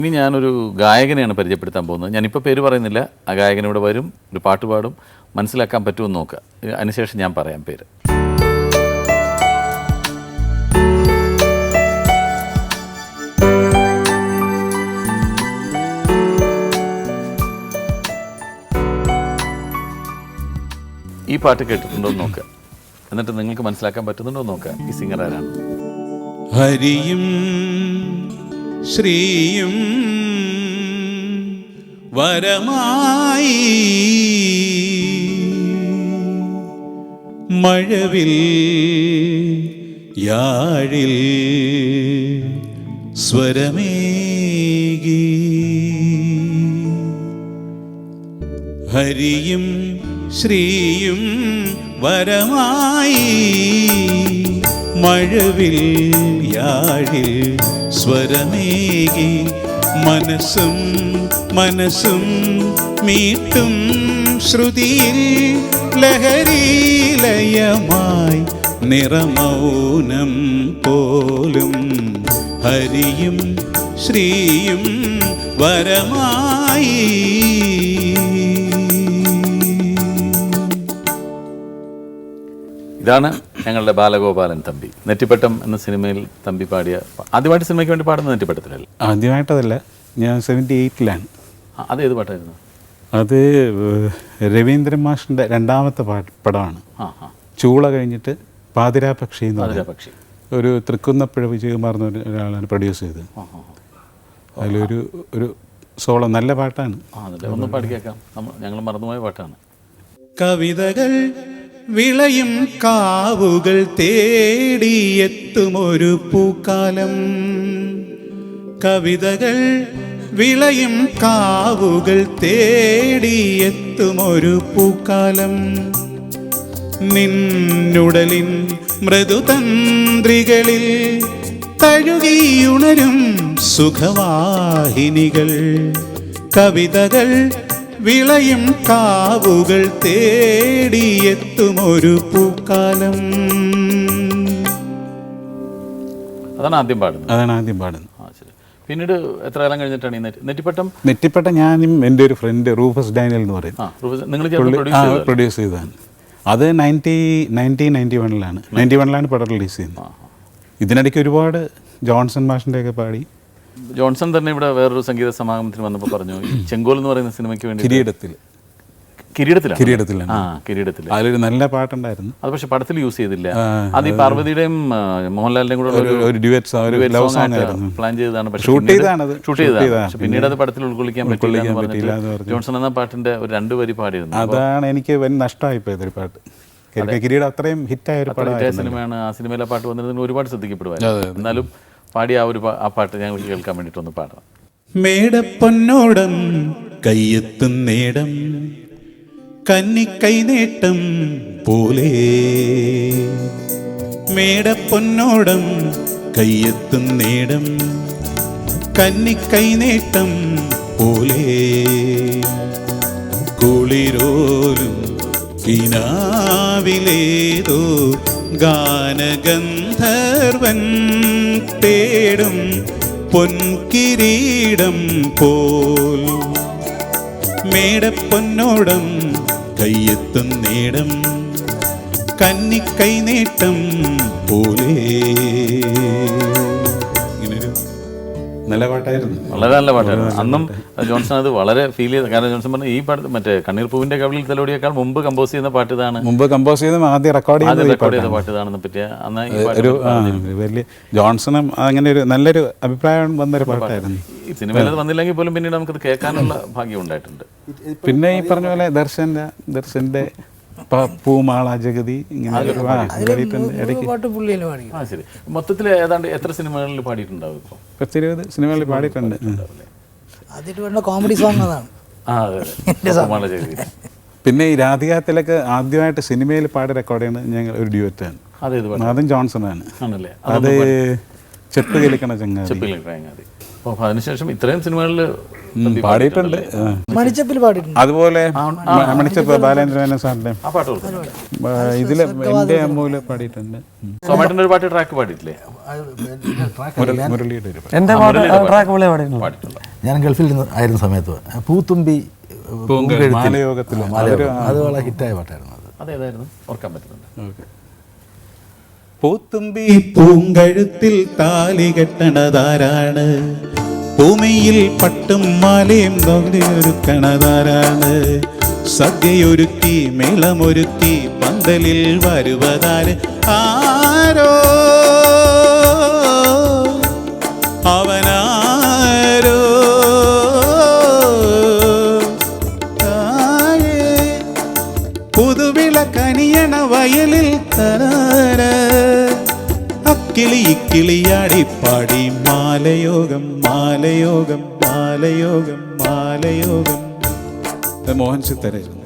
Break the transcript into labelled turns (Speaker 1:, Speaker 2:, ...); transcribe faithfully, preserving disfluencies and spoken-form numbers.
Speaker 1: ഇനി ഞാനൊരു ഗായകനെയാണ് പരിചയപ്പെടുത്താൻ പോകുന്നത്. ഞാനിപ്പോൾ പേര് പറയുന്നില്ല. ആ ഗായകൻ ഇവിടെ വരും, ഒരു പാട്ട് പാടും, മനസ്സിലാക്കാൻ പറ്റുമെന്ന് നോക്കുക. അതിനുശേഷം ഞാൻ പറയാം പേര്. ഈ പാട്ട് കേട്ടിട്ടുണ്ടോ എന്ന് നോക്കുക. എന്നിട്ട് നിങ്ങൾക്ക് മനസ്സിലാക്കാൻ പറ്റുന്നുണ്ടോ എന്ന് നോക്കുക. ഈ സിംഗർ ആരാണ്?
Speaker 2: ഹരിയും ശ്രീയും വരമായി മഴവിൽ യാഴിൽ സ്വരമേകി. ഹരിയും ശ്രീയും വരമായി മഴവിൽ യാഴിൽ സ്വരമേകി. മനസ്സും മനസ്സും മീട്ടും ശ്രുതിയിൽ ലഹരീലയമായി നിറമൗനം പോലും. ഹരിയും ശ്രീയും വരമായി.
Speaker 1: ഇതാണ് ഞങ്ങളുടെ ബാലഗോപാലൻ തമ്പി. നെറ്റിപ്പട്ടം എന്ന സിനിമയിൽ തമ്പി പാടിയ, ആദ്യമായിട്ട് സിനിമയ്ക്ക് വേണ്ടി പാടുന്ന നെറ്റിപ്പട്ടത്തിലല്ല?
Speaker 2: ആദ്യമായിട്ടതല്ല, ഞാൻ സെവൻറ്റി എയ്റ്റിലാണ്.
Speaker 1: അതേത് പാട്ടായിരുന്നു?
Speaker 2: അത് രവീന്ദ്രൻ മാഷിൻ്റെ രണ്ടാമത്തെ പാട്ട് പടമാണ്. ചൂള കഴിഞ്ഞിട്ട് പാതിരാ പക്ഷി എന്ന്
Speaker 1: പക്ഷി
Speaker 2: ഒരു തൃക്കുന്നപ്പുഴ വിജയകുമാർ എന്ന ഒരാളാണ് പ്രൊഡ്യൂസ് ചെയ്തത്. അതിലൊരു ഒരു സോളോ നല്ല പാട്ടാണ്.
Speaker 1: ഒന്ന് പാടി കേൾക്കാം. ഞങ്ങൾ മറന്നുപോയ പാട്ടാണ്.
Speaker 2: കവിതകൾ വിളയും കാവുകൾ തേടിയെത്തുമൊരു പൂക്കാലം. കവിതകൾ വിളയും കാവുകൾ തേടിയെത്തുമൊരു പൂക്കാലം. നിന്നുടലിൻ മൃദുതന്ത്രികളിൽ തഴുകിയുണരും സുഖവാഹിനികൾ. കവിതകൾ വിളയും കാവുകൾ തേടിയെത്തുമൊരു പൂക്കാലം.
Speaker 1: അതാണ് ആദ്യം പാടുന്നത്.
Speaker 2: അതാണ് ആദ്യം പാടുന്നത്.
Speaker 1: പിന്നീട് എത്ര കാലം കഴിഞ്ഞിട്ടാണ് ഈ നെറ്റിപ്പട്ടം?
Speaker 2: നെറ്റിപ്പട്ടം ഞാനും എൻ്റെ ഒരു ഫ്രണ്ട് റൂഫസ് ഡാനിയൽ എന്ന് പറയും പ്രൊഡ്യൂസ് ചെയ്തതാണ്. അത് നയൻറ്റി നയൻറ്റീൻ നയൻറ്റി വണ്ണിലാണ് നയൻറ്റി വണ്ണിലാണ് പടം റിലീസ് ചെയ്യുന്നത്. ഇതിനിടയ്ക്ക് ഒരുപാട് ജോൺസൺ മാഷിൻ്റെ ഒക്കെ പാടി.
Speaker 1: ജോൺസൺ തന്നെ ഇവിടെ വേറൊരു സംഗീത സമാഗമത്തിന് വന്നപ്പോൾ പറഞ്ഞു, ചെങ്കോൽ എന്ന് പറയുന്ന സിനിമയ്ക്ക് വേണ്ടി
Speaker 2: കിരീടത്തിൽ
Speaker 1: കിരീടത്തിലാണ്
Speaker 2: കിരീടത്തിലാണ്
Speaker 1: ആ കിരീടത്തിൽ
Speaker 2: അതിലൊരു നല്ല പാട്ടുണ്ടായിരുന്നു.
Speaker 1: അത് പക്ഷെ പടത്തിൽ യൂസ് ചെയ്തില്ല. അത് ഈ പാർവതിയുടെയും മോഹൻലാലിന്റെയും കൂടെ
Speaker 2: ഒരു ഡ്യുവറ്റ്
Speaker 1: പ്ലാൻ ചെയ്തതാണ്.
Speaker 2: ഷൂട്ട് ചെയ്തതാണ്
Speaker 1: ഷൂട്ട് ചെയ്തതാണ് പീന്നീട് അത് പടത്തിൽ ഉൾക്കൊള്ളിക്കാൻ പറ്റില്ല. ജോൺസൺ എന്ന പാട്ടിന്റെ ഒരു രണ്ടു വരി പാടിയിരുന്നു.
Speaker 2: അതാണ് എനിക്ക് വൻ നഷ്ടമായിപ്പോയത്. ഒരു പാട്ട് കിരീടം അത്രയും ഹിറ്റായ ഒരു
Speaker 1: സിനിമയാണ്. ആ സിനിമയിലെ പാട്ട് വന്നിരുന്നെങ്കിൽ ഒരുപാട് ശ്രദ്ധിക്കപ്പെടുമായിരുന്നു. എന്നാലും പാടി ആ ഒരു ആ പാട്ട് ഞങ്ങൾക്ക് കേൾക്കാൻ വേണ്ടിയിട്ട് ഒന്ന് പാടാം.
Speaker 2: മേടപ്പൊന്നോടം കയ്യെത്തും നേടം കന്നിക്കൈ നേട്ടം പോലെ. മേടപ്പൊന്നോടം കയ്യെത്തും നേടം കന്നിക്കൈ നേട്ടം പോലെ. കുളിരോലും കിനാവിലേതോ ഗാനഗന്ധർവൻ തേടും പൊൻകിരീടം പോൽ. മേടപ്പൊന്നോടം കയ്യെത്തും നേടം കന്നിക്കൈ നേട്ടം പോലെ. നല്ല പാട്ടായിരുന്നു,
Speaker 1: വളരെ നല്ല പാട്ടായിരുന്നു. അന്നും ജോൺസൺ അത് വളരെ ഫീൽ ചെയ്ത. കാരണം ജോൺസൺ പറഞ്ഞു ഈ പാട്ട് മറ്റേ കണ്ണീർ പൂവിന്റെ കവിളിൽ തലോടിയേക്കാൾ മുമ്പ് കമ്പോസ് ചെയ്യുന്ന പാട്ട് ഇതാണ്.
Speaker 2: മുമ്പ് കമ്പോസ് ചെയ്ത ആദ്യം റെക്കോർഡ്
Speaker 1: റെക്കോർഡ് ചെയ്ത പാട്ട് ഇതാണെന്ന് പറ്റിയ അന്ന്
Speaker 2: ഒരു വലിയ ജോൺസണും അങ്ങനെ ഒരു നല്ലൊരു അഭിപ്രായം വന്നൊരു പാട്ടായിരുന്നു.
Speaker 1: ഈ സിനിമയിൽ അത് വന്നില്ലെങ്കിൽ പോലും പിന്നീട് നമുക്കത് കേൾക്കാനുള്ള ഭാഗ്യം ഉണ്ടായിട്ടുണ്ട്.
Speaker 2: പിന്നെ ഈ പറഞ്ഞ പോലെ ദർശന്റെ ദർശന്റെ പൂമാള ജഗതി ഇങ്ങനെ
Speaker 1: ശരി. മൊത്തത്തിൽ ഏതാണ്ട് എത്ര സിനിമകളിൽ പാടിയിട്ടുണ്ടാവും? ഇപ്പോൾ
Speaker 2: പത്തിരുപത് സിനിമകളിൽ പാടിയിട്ടുണ്ട്.
Speaker 3: കോമഡി സോങ് അതാണ്.
Speaker 2: പിന്നെ ഈ രാധികാത്തിലൊക്കെ ആദ്യമായിട്ട് സിനിമയിൽ പാടി റെക്കോർഡ് ചെയ്യുന്നത് ഞങ്ങൾ ഒരു ഡ്യൂറ്റാണ്. അതും ജോൺസൺ ആണ്. അത് ചെപ്പ് കിളിക്കണ ചങ്ങാതി.
Speaker 1: അപ്പോൾ അതിനുശേഷം ഇത്രയും സിനിമകളിൽ
Speaker 2: പാടിയിട്ടുണ്ട്. ആ.
Speaker 3: മണിച്ചപ്പിൽ പാടിയിട്ടുണ്ട്.
Speaker 2: അതുപോലെ മണിച്ചപ്പ് ബാലേന്ദ്രൻ സാറിൻ്റെ
Speaker 1: ആ പാട്ട് കൊടുക്കും.
Speaker 2: ഇതിൽ എൻ്റെ അമ്മൂല് പാടിയിട്ടുണ്ട്.
Speaker 1: സോമായിട്ടിൻ്റെ ഒരു പാട്ട് ട്രാക്ക് പാടിയിട്ടില്ലേ?
Speaker 2: മുരളി- മുരളിയുടെ ഒരു പാട്ട്.
Speaker 4: എൻ്റെ പാട്ട് ട്രാക്ക് പുള്ളിയെ പാടിയിട്ടുണ്ട്.
Speaker 1: പാടിയിട്ടുണ്ട്.
Speaker 5: ഞാൻ ഗൾഫിൽ നിന്ന് ആയിരുന്ന സമയത്ത് പൂത്തുമ്പി പൂങ്കഴുത്തിൽ,
Speaker 2: മാലയോഗത്തിലെ
Speaker 5: മാലയോഗം, അത് വളരെ ഹിറ്റായ പാട്ടായിരുന്നു അത്.
Speaker 1: അതേതായിരുന്നു ഓർക്കാൻ പറ്റുന്നുണ്ട്?
Speaker 2: ഓക്കെ. പൂത്തുമ്പി പൂങ്കഴുത്തിൽ താലി കെട്ടണതാരാണ്, ഭൂമിയിൽ പട്ടും മാലയും ഒരുക്കണതാരാണ്, സദ്യയൊരുക്കി മേളമൊരുക്കി പന്തലിൽ വരുവതാര്, ആരോ അവനാരോ പുതുവിള കനിയണ വയലിൽ തരാര അക്കിളി ഇക്കിളിയാടി പാടി മാലയോഗം മാലയോഗം മാലയോഗം മാലയോഗം. മോഹൻ സിത്താരായിരുന്നു.